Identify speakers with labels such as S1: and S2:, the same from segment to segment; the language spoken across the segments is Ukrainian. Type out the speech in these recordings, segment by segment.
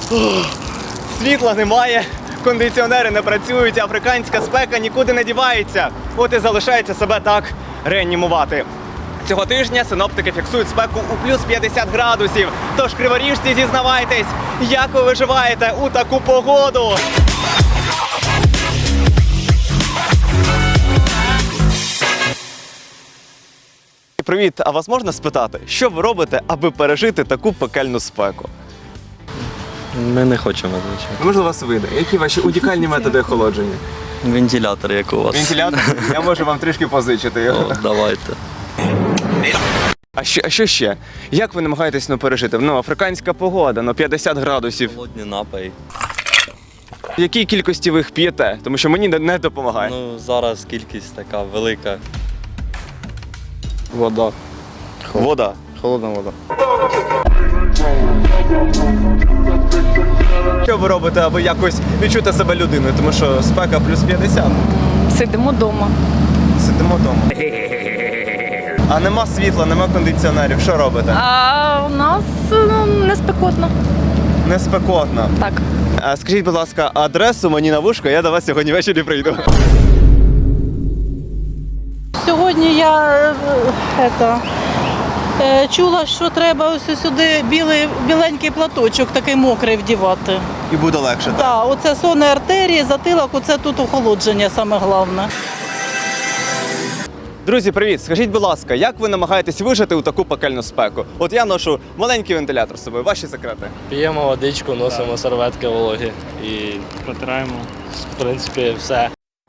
S1: Світла немає, кондиціонери не працюють, африканська спека нікуди не дівається. От і залишається себе так реанімувати. Цього тижня синоптики фіксують спеку у плюс 50 градусів. Тож, криворіжці, зізнавайтесь, як ви виживаєте у таку погоду? Привіт, а вас можна спитати, що ви робите, аби пережити таку пекельну спеку?
S2: Ми не хочемо, звичайно.
S1: Можливо, вас вийде. Які ваші унікальні методи охолодження?
S2: Вентилятор, як у вас.
S1: Вентилятор? Я можу вам трішки позичити його.
S2: О, давайте.
S1: А що ще? Як ви намагаєтесь пережити? Африканська погода, 50 градусів.
S2: Холодні напої.
S1: В якій кількості ви їх п'єте? Тому що мені не допомагає.
S2: Зараз кількість така велика.
S3: Вода.
S1: Вода.
S3: Холодна вода.
S1: Що ви робите, аби якось відчути себе людиною? Тому що спека плюс 50.
S4: Сидимо вдома.
S1: Сидимо вдома. А нема світла, нема кондиціонерів. Що робите?
S4: А у нас не спекотно.
S1: Не спекотно.
S4: Так.
S1: Скажіть, будь ласка, адресу мені на вушко, я до вас сьогодні ввечері прийду.
S5: Сьогодні я чула, що треба ось сюди біленький платочок, такий мокрий вдівати.
S1: І буде легше, так?
S5: Так, оце сонні артерії, затилок, оце тут охолодження саме головне.
S1: Друзі, привіт! Скажіть, будь ласка, як ви намагаєтесь вижити у таку пекельну спеку? От я ношу маленький вентилятор з собою. Ваші секрети?
S6: П'ємо водичку, носимо серветки вологі і протираємо, в принципі, все.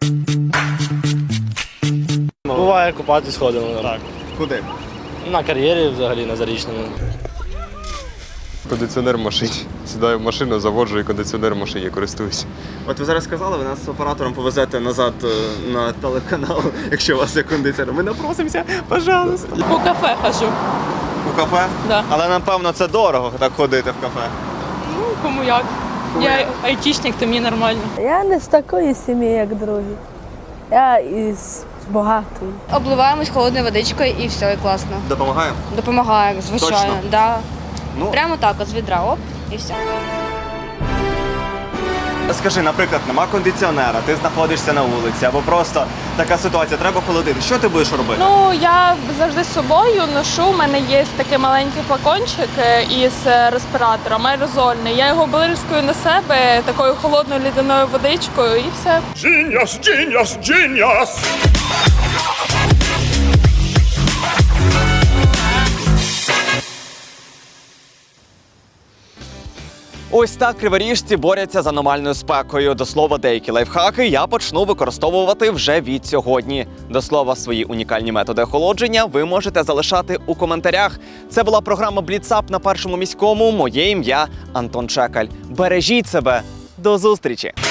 S6: Буває, купатись ходимо. Так.
S1: Куди?
S6: На кар'єрі взагалі, на Зарічному.
S7: Кондиціонер в машині. Сідаю в машину, заводжу і кондиціонер в машині користуюся.
S1: От ви зараз сказали, ви нас з оператором повезете назад на телеканал, якщо у вас є кондиціонер. Ми напросимося, пожалуйста.
S4: По кафе хожу.
S1: У кафе?
S4: Да.
S1: Але напевно це дорого так ходити в кафе.
S4: Ну, кому як. Я айтішник, то мені нормально.
S8: Я не з такої сім'ї, як другі. Я із багатої.
S9: Обливаємось холодною водичкою і все, і класно.
S1: Допомагає?
S9: Допомагає, звичайно.
S1: Точно?
S9: Да.
S1: Ну,
S9: Прямо так, от з відра, оп, і все.
S1: скажи, наприклад, нема кондиціонера, ти знаходишся на вулиці, або просто така ситуація, треба холодити. Що ти будеш робити?
S4: Ну, я завжди з собою ношу. У мене є такий маленький флакончик із респіратором, аерозольний. Я його бризкаю на себе такою холодною лідяною водичкою і все.
S10: Genius, genius, genius!
S1: Ось так криворіжці борються з аномальною спекою. До слова, деякі лайфхаки я почну використовувати вже від сьогодні. До слова, свої унікальні методи охолодження ви можете залишати у коментарях. Це була програма «Бліцап» на Першому міському. Моє ім'я Антон Чекаль. Бережіть себе. До зустрічі!